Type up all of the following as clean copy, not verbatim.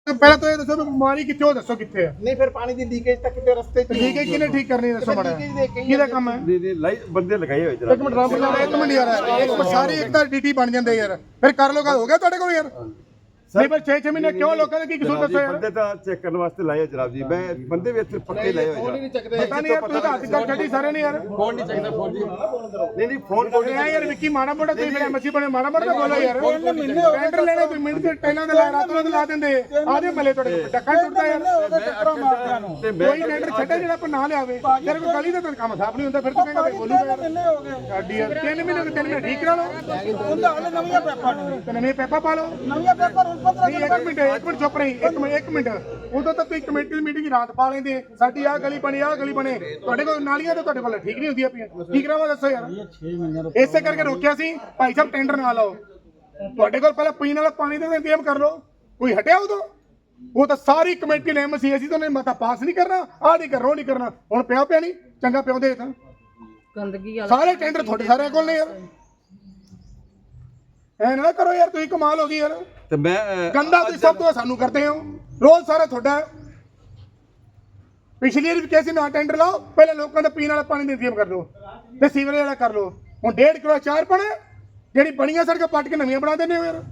ਪਹਿਲਾਂ ਤਾਂ ਇਹ ਦੱਸੋ ਵੀ ਬਿਮਾਰੀ ਕਿੱਥੇ ਹੋ ਦੱਸੋ ਕਿੱਥੇ ਹੈ ਨਹੀਂ ਫਿਰ ਪਾਣੀ ਦੀ ਲੀਕੇਜ ਤਾਂ ਕਿਤੇ ਰਸਤੇ 'ਚ ਠੀਕ ਹੈ ਕਿਹਨੇ ਠੀਕ ਕਰਨੀ ਦੱਸੋ ਮਾੜਾ ਕਿਹਦਾ ਕੰਮ ਹੈ ਨਹੀਂ ਬੰਦੇ ਲਗਾਏ ਹੋਏ ਜਰਾ ਇੱਕ ਮਿੰਟ ਰੱਬ ਨਾਲ ਇੱਕ ਮਿੰਟ ਯਾਰ ਇੱਕ ਸਾਰੇ ਇੱਕ ਤਾਂ ਡੀਟੀ ਬਣ ਜਾਂਦੇ ਯਾਰ ਫਿਰ ਕਰ ਲੋ ਗੱਲ ਹੋ ਗਿਆ ਤੁਹਾਡੇ ਕੋਲ ਯਾਰ ਨਹੀਂ ਪਰ 6 ਮਹੀਨੇ ਕਿਉਂ ਲੋਕਾਂ ਨੇ ਕੀ ਕਸੂਰ ਦੱਸੋ ਯਾਰ ਬੰਦੇ ਤਾਂ ਚੈੱਕ ਕਰਨ ਵਾਸਤੇ ਲਾਏ ਹੋਏ ਜਨਾਬ ਜੀ ਮੈਂ ਬੰਦੇ ਵੀ ਇੱਥੇ ਪੱਕੇ ਲਾਏ ਹੋਏ ਫੋਨ ਹੀ ਨਹੀਂ ਚੱਕਦੇ ਪਤਾ ਨਹੀਂ ਯਾਰ ਤੁਸੀਂ ਤਾਂ ਹੱਥ ਕਰ ਛੱਡੀ ਸਾਰੇ ਨੇ ਯਾਰ ਫੋਨ ਨਹੀਂ ਚੱਕਦੇ ਫੋਨ ਜੀ ਨਹੀਂ ਫੋਨ ਕੋਲ ਇਹ ਯਾਰ ਵਿੱਕੀ ਮਾੜਾ ਮੋਟਾ ਤੁਸੀਂ ਫਿਰ ਐਮਸੀ ਬਣੇ ਮਾੜਾ ਮੋਟਾ ਬੋਲੋ ਯਾਰ ਟੈਂਡਰ ਲੈਣੇ ਤੁਸੀਂ ਮਿੰਟ ਦੇ ਟੈਨਾਂ ਦੇ ਲਾ ਰਾਤ ਨੂੰ ਲਾ ਦਿੰਦੇ ਆਦੇ ਮਲੇ ਤੁਹਾਡੇ ਡੱਕਾ ਟੁੱਟਦਾ ਯਾਰ ਕੋਈ ਟੈਂਡਰ ਛੱਡੇ ਜਿਹੜਾ ਆਪਾਂ ਨਾ ਲਿਆਵੇ ਤੇਰੇ ਕੋਲ ਗਲੀ ਦਾ ਤਾਂ ਕੰਮ ਸਾਫ ਨਹੀਂ ਹੁੰਦਾ ਫਿਰ ਤੂੰ ਕਹਿੰਦਾ ਬੋਲੂਗਾ ਯਾਰ ਸਾਡੀ ਯਾਰ 3 ਮਹੀਨੇ ਠੀਕ ਕਰਾ ਲਓ ਉਹਦਾ ਹਲੇ ਨਵੀਆਂ ਪੈਪਾਂ ਤੇ ਨਵੇਂ ਪੈਪਾ ਪਾ ਲਓ ਨਵੀਆਂ ਪੈਪਾਂ ਹੁਣ 15 ਇੱਕ ਮਿੰਟ ਚੁੱਪ ਰਹੀ ਇੱਕ ਮਿੰਟ ਉਦੋਂ ਤਾਂ ਤੁਸੀਂ ਕਮੇਟੀ ਦੀ ਮੀਟਿੰਗ ਰਾਤ ਪਾ ਲੈਂਦੇ ਸਾਡੀ ਆਹ ਗਲੀ ਬਣੇ ਤੁਹਾਡੇ ਕੋਲ ਨਾਲੀਆਂ ਤਾਂ ਤੁਹਾਡੇ ਕੋਲ ਠੀਕ ਨਹੀਂ ਹੁੰਦੀਆਂ ਪਈਆਂ ਕੀ ਕਰਾਵਾਂ ਦੱਸੋ ਯਾਰ 6 ਮਹੀਨੇ ਇਸੇ ਕਰਕੇ ਰੋਕਿਆ ਸੀ ਭਾਈ ਸਾਹਿਬ ਟੈਂਡਰ ਨਾ ਲਾਓ ਤੁਹਾਡੇ ਕੋਲ ਪਹਿਲਾਂ ਪੀਣ ਵਾਲਾ ਪਾਣੀ ਦਾ ਇੰਤਜ਼ਾਮ ਕਰ ਲਓ ਕੋਈ ਹਟਿਆ ਉਦੋਂ ਉਹ ਤਾਂ ਸਾਰੀ ਕਮੇਟੀ ਨੇ ਐਮਸੀ ਅਸੀਂ ਤਾਂ ਉਹਨੇ ਮਤਾ ਪਾਸ ਨਹੀਂ ਕਰਨਾ ਆਹ ਨਹੀਂ ਕਰਨਾ ਉਹ ਨਹੀਂ ਕਰਨਾ ਹੁਣ ਪਿਆ ਨਹੀਂ ਚੰਗਾ ਪਿਆਉਂਦੇ ਤਾਂ ਗੰਦਗੀ ਸਾਰੇ ਟੈਂਡਰ ਤੁਹਾਡੇ ਸਾਰਿਆਂ ਕੋਲ ਨੇ ਯਾਰ ਐ ਨਾ ਕਰੋ ਯਾਰ ਤੁਸੀਂ ਕਮਾਲ ਹੋ ਗਈ ਯਾਰ ਤੇ ਮੈਂ ਗੰਦਾ ਤੁਸੀਂ ਸਭ ਤੋਂ ਸਾਨੂੰ ਕਰਦੇ ਹੋ ਰੋਜ਼ ਸਾਰਾ ਤੁਹਾਡਾ ਪਿਛਲੀ ਵਾਰ ਵੀ ਕਿਸੇ ਨਾ ਟੈਂਡਰ ਲਾਓ ਪਹਿਲੇ ਲੋਕਾਂ ਦਾ ਪੀਣ ਵਾਲਾ ਪਾਣੀ ਦਾ ਇੰਤਜ਼ਾਮ ਕਰ ਲਓ ਤੇ ਸੀਵਰੇਜ ਵਾਲਾ ਕਰ ਲਓ ਹੁਣ 1.5 ਕਿਲੋ ਚਾਰ ਪਾਣਾ ਜਿਹੜੀ ਬਣੀਆਂ ਸੜਕਾਂ ਪੱਟ ਕੇ ਨਵੀਆਂ ਬਣਾ ਦਿੰਦੇ ਹੋ ਯਾਰ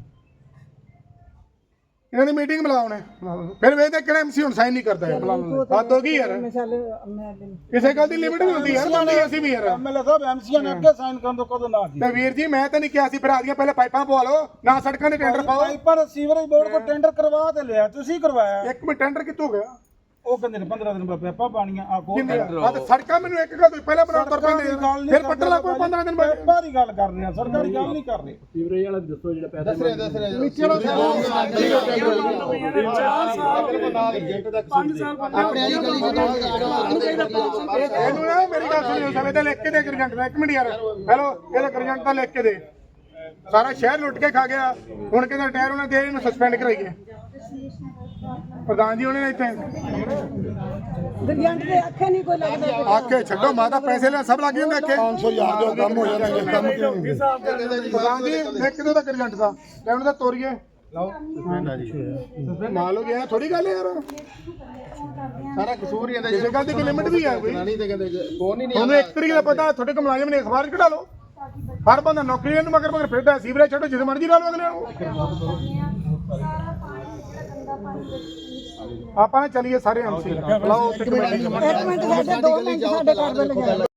ਇਹਨਾਂ ਦੀ ਮੀਟਿੰਗ ਬੁਲਾਓ ਨੇ ਫਿਰ ਵੇਖਦੇ ਕਿਹੜਾ ਐਮਸੀ ਹੁਣ ਸਾਈਨ ਨਹੀਂ ਕਰਦਾ ਯਾਰ ਹੱਦ ਹੋ ਗਈ ਯਾਰ ਕਿਸੇ ਗੱਲ ਦੀ ਲਿਮਿਟ ਵੀ ਹੁੰਦੀ ਯਾਰ ਮੰਨਦੇ ਅਸੀਂ ਵੀ ਯਾਰ ਐਮਐਲਏ ਸਾਹਿਬ ਐਮਸੀਆਂ ਨੇ ਅੱਗੇ ਸਾਈਨ ਕਰਨ ਤੋਂ ਕਦੋਂ ਨਾ ਤੇ ਵੀਰ ਜੀ ਮੈਂ ਤਾਂ ਨਹੀਂ ਕਿਹਾ ਸੀ ਭਰਾ ਦੀਆਂ ਪਹਿਲੇ ਪਾਈਪਾਂ ਪਵਾ ਲਓ ਨਾ ਸੜਕਾਂ ਦੇ ਟੈਂਡਰ ਪਾਓ ਪਾਈਪਾਂ ਸੀਵਰੇਜ ਬੋਰਡ ਕੋ ਟੈਂਡਰ ਕਰਵਾ ਤੇ ਲਿਆ ਤੁਸੀਂ ਕਰਵਾਇਆ ਇੱਕ ਮਿੰਟ ਟੈਂਡਰ ਕਿੱਥੋਂ ਗਿਆ ਉਹ ਕਹਿੰਦੇ ਨੇ 15 ਦਿਨ ਬਾਅਦ ਪੈਪਾਂ ਪਾਣੀਆਂ ਆ ਕੋ ਤੇ ਸੜਕਾਂ ਮੈਨੂੰ ਇੱਕ ਗੱਲ ਤੁਸੀਂ ਪਹਿਲਾਂ ਬਣਾ ਪੈਂਦੇ ਫਿਰ ਪੱਟਣ ਲੱਗ ਪਏ 15 ਦਿਨ ਬਾਅਦ ਪੈਪਾਂ ਦੀ ਗੱਲ ਕਰ ਰਹੇ ਆ ਸਰਕਾਰੀ ਗੱਲ ਨਹੀਂ ਕਰ ਰਹੇ ਸੀਵਰੇਜ ਵਾਲਾ ਦੱਸੋ ਜਿਹੜਾ ਪੈਸਾ ਦੱਸ ਰਿਹਾ ਇਹਨੂੰ ਨਾ ਮੇਰੀ ਗੱਲ ਸੁਣਿਓ ਸਭ ਇਹਦਾ ਲਿਖ ਕੇ ਦੇ ਗਰਜੰਟ ਦਾ 1 ਮਿੰਟ ਯਾਰ ਹੈਲੋ ਇਹਦਾ ਗਰਜੰਟ ਦਾ ਲਿਖ ਕੇ ਦੇ ਸਾਰਾ ਸ਼ਹਿਰ ਲੁੱਟ ਕੇ ਖਾ ਗਿਆ ਹੁਣ ਕਹਿੰਦਾ ਟਾਇਰ ਉਹਨਾਂ ਦੇ ਇਹਨੂੰ ਸਸਪੈਂਡ ਕਰਾਈਏ ਪ੍ਰਧਾਨ ਜੀ ਉਹਨੇ ਇੱਥੇ ਗਰਜੰਟ ਦੇ ਅੱਖੇ ਨਹੀਂ ਕੋਈ ਲੱਗਦਾ ਆਖੇ ਛੱਡੋ ਮਾਤਾ ਪੈਸੇ ਲੈ ਸਭ ਲੱਗ ਜਾਂਦੇ ਅੱਖੇ 500,000 ਦਾ ਕੰਮ ਹੋ ਜਾਣਾ ਕੰਮ ਪ੍ਰਧਾਨ ਜੀ ਲਿਖ ਕੇ ਦੋ ਗਰਜੰਟ ਦਾ ਲੈ ਉਹਨਾਂ ਦਾ ਤੋਰੀਏ ਮਾਲ ਹੋ ਗਿਆ ਥੋੜੀ ਗੱਲ ਯਾਰ ਸਾਰਾ ਕਸੂਰ ਹੀ ਇਹਦਾ ਕਿਸੇ ਗੱਲ ਦੀ ਲਿਮਿਟ ਵੀ ਹੈ ਕੋਈ ਨਹੀਂ ਤੇ ਕਹਿੰਦੇ ਫੋਨ ਹੀ ਨਹੀਂ ਤੁਹਾਨੂੰ ਇੱਕ ਤਰੀਕੇ ਦਾ ਪਤਾ ਤੁਹਾਡੇ ਕੋਲ ਮੁਲਾਜ਼ਮ ਨੇ ਅਖਬਾਰ ਕਢਾ ਲਓ ਹਰ ਬੰਦਾ ਨੌਕਰੀ ਨੂੰ ਮਗਰ ਫਿਰਦਾ ਸੀਵਰੇਜ ਛੱਡੋ ਜਿੱਦ ਮਰਜ਼ੀ ਲਾ ਲਓ ਅਗਲੇ ਨੂੰ ਆਪਾਂ ਨਾ ਚੱਲੀਏ ਸਾਰੇ ਐਮਸੀ ਬੁਲਾਓ ਇੱਕ ਮਿੰਟ ਸਾਡੇ 2 ਮਿੰਟ ਸਾਡੇ ਘਰ ਦੇ ਲਗਾਏ